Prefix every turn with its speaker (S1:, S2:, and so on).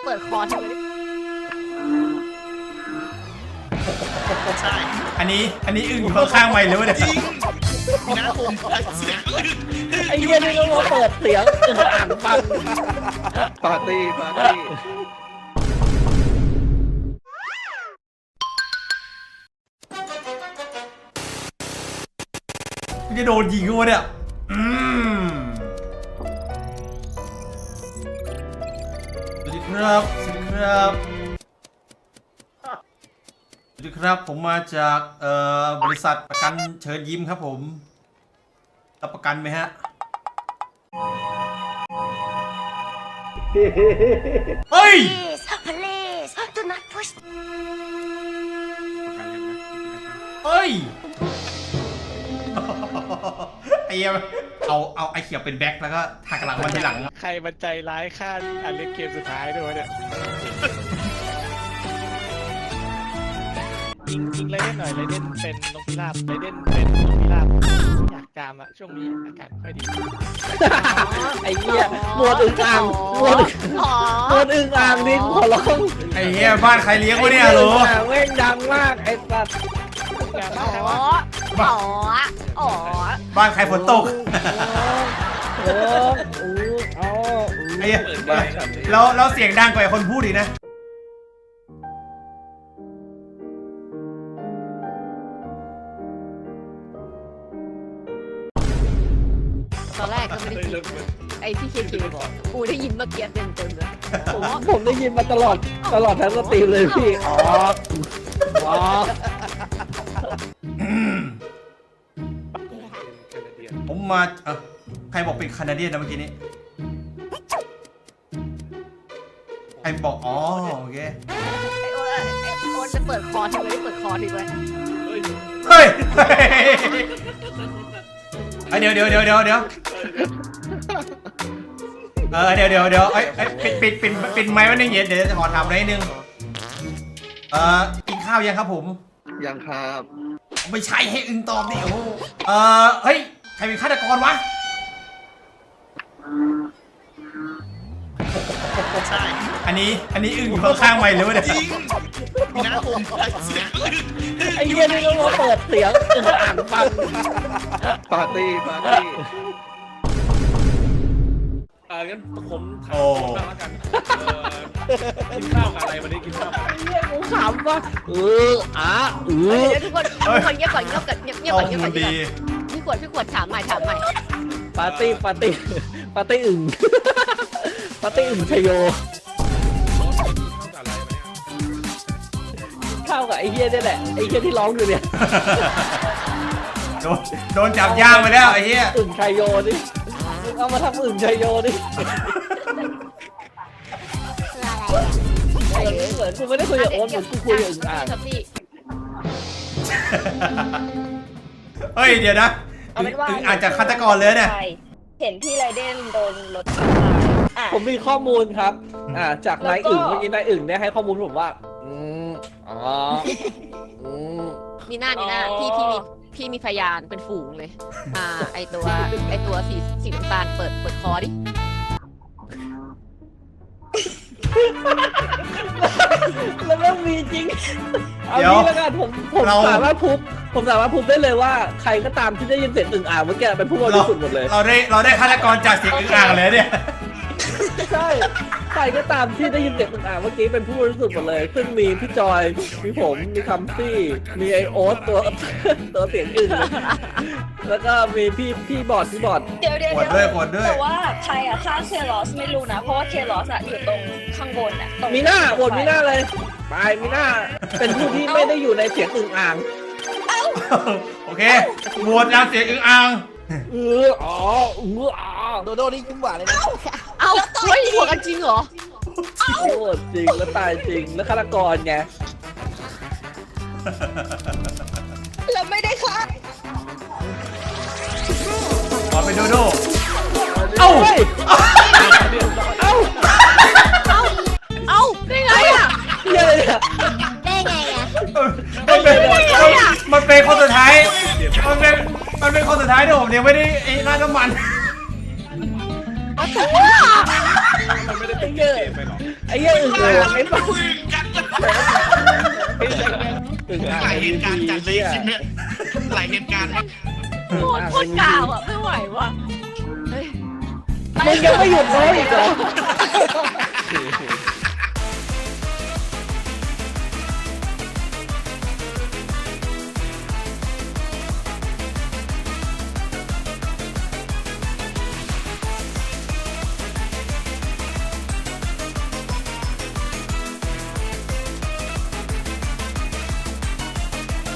S1: เปิดคอทำไม
S2: ใช่
S3: อันนี้อึ้งอยู่ข้างๆไม่เลยวะเนี่ย
S2: จริงนะผมเสียงอื่น
S4: ไอ้เหี้ยนี่ก็มาเปิดเสียงอ่านฟัง
S5: ปาร์ตี้ปาร์ตี้
S3: มันจะโดนยิงกูเนี่ยสวัสดีครับสวัสดีครับสวัสดีครับผมมาจากบริษัทประกันเชิญยิ้มครับผมรับประกันไหมฮะเฮ้ย
S1: please do not push
S3: เฮ้ยไอ้เหี้ยเอาไอ้เขียวเป็นแบ็คแล้วก็หักหลังมันทีหลัง
S4: ใครมันใจร้ายฆ่าอันเล่นเกมสุดท้ายด้วยเนี่ยยิงไรเด่นหน่อยไรเด่นเป็นนกพิราบไรเด่นเป็นนกพิราบอยากจามอะช่วงนี้อากาศค่อยดีไอ้เหี้ยหมวดอึ่งอ่างหมวดอึ่งอ่างนี่ขอร้อง
S3: ไอ้เหี้ยบ้านใครเลี้ยงวะเนี่ยโหล
S4: แม่งดังมากไอ้สัตว์
S1: อ๋อ
S3: บ้านใครฝนตก
S4: เอา
S3: ไอ้เหี้ยแล้วเสียงดังกว่าคนพูดอีกนะ
S1: ตอนแรกก็ไม่ได้ยินไอ้ที่เคบอกกูได้ยินเมื่อกี้เต็มเลย
S4: ผมได้ยินมาตลอดทั้งสตรีมเลยพี่อ๋อ
S3: ผมมาใครบอกเป็นแคนาเดียนนะเมื่อกี้นี้ใครบอกอ๋อโอเค
S1: ไอ้โอ๊ตจะเปิดคอทำไมไม่เปิดคอดีไว้
S3: เฮ้ยเดี๋ยวเดี๋ยวเดี๋ยวเดี๋ยวปิดไมค์ไว้หนึ่งเดี๋ยวขอถามอะไรนิดนึงกินข้าวยังครับผม
S5: ยังครับ
S3: ไม่ใช่ให้อึ้งตอบดิโอ้เฮ้ยใครเป็นฆาตกรวะ
S2: ใช่
S3: อันนี้อึ้งอยู่ข้างๆไม่เลยวะเนี่ย
S2: จริงนะผมเสียงอื่น
S4: ไอ้เหี้ยนี่ก็มาเปิดเสียงอ่านฟัง
S5: ปาร์ตี้ปาร์ตี้
S4: งั้นผมถาม
S3: โอ้
S4: บ้างแล้วกันกินข้าวกับอะไรวันนี้กินข้าวกับอะไรเหี้ยกูขำว่าเ
S1: เดี๋ยวทุกคนเงียบก่อนเงียบก่อนเงียบก่อนเงียบก่อน
S3: ดี
S1: พี่ขวดถามใหม่
S4: ปาร์ตี้อึ่งปาร์ตี้อึ่งชโยข้าวกับไอ้เหี้ยนี่แหละไอ้เหี้ยที่ร้องอยู่เนี่ย
S3: โดนจับย่างไปแล้วไอ้เหี้ย
S4: อึ่งชโยดิเอามาทำอึ่งชโยดิเหมือนกูไม่ได้คุยกับโอ๊ตเหมือนกูคุยกับอึ่งอ่าง
S3: เฮ้ยเดี๋ยวนะอึ่งอาจจะฆาตกรเลยเนี่ย
S6: เห็นพี่ไรเดนโดนรถอ่ะ
S4: ผมมีข้อมูลครับจากนายอึ่งเมื่อกี้นายอึ่งเนี่ยให้ข้อมูลผมว่า
S1: มีหน้าพี่มีพยานเป็นฝูงเลยไอตัวสีน้ำตาลเปิดคอดิ
S4: แล้วมันมีจริงเอางี้แล้วกันผมสามารถพูดได้เลยว่าใครก็ตามที่ได้ยินเสียงอึ่งอ่างเมื่อกี้เป็นผู้บริสุทธิ์หมดเลย
S3: เราได้ฆาตกรจากเสียงอึ่งอ่างเลยเนี่ย
S4: ใช่ใครก็ตามที่ได้ยินเสียงอึ่งอ่างเมื่อกี้เป็นผู้บริสุทธิ์หมดเลยซึ่งมีพี่จอยมีผมมีคัมซี่มีไอโอ๊ตตัวเสียงอึ่งแล้วก็มีพี่บอด
S6: เดี๋ยว
S3: กดด้วย
S6: แต่ว่าใครอะฆ่าเคลอสไม่รู้นะ เพราะว่าเคลอสอะอยู่ตรงข้างบนอะตรง
S4: มีหน้าบนมีหน้าเลยไปมีหน้าเป็นผู้ที่ไม่ได้อยู่ในเสียงอึ่งอ่าง
S3: โอเคโหวตจากเสียงอึ่งอ่าง
S4: โดโดนี่ยิ้มหวานเลยนะ
S1: เอ้าเฮ้ยหัวกันจริงเหรอ
S4: โอ้จริงแล้วตายจริงแล้วฆาตกรไง
S6: เราไม่ได้ฆ่า
S3: ขอไปโดเอ้า
S1: ได้ไงอ่ะ
S4: เหี้ยอะไรเนี่ย
S1: ได้ไงอ่ะ
S3: มันเป็นคนสุดท้ายมันเป็นคนสุดท้ายที่ผมยังไม่ได้ไอ้ราดน้ำมัน
S5: มันไม่ได้
S4: ไอ้
S5: เป็น
S4: เหี้ย
S5: เกมไปหรอ
S4: ไอ้เหี้ยอึ่งอ่างไอ้บ้า
S2: คุยกัน
S4: อึ่งอ่าง
S2: หลายเหตุการณ์จัดเลยคลิปเนี้ยหลายเหตุการณ์
S1: โคตรกาวอ่ะ ไม่ไหวว่ะเฮ้ย
S4: มึงยังไม่หยุดร้องอีกเหรอ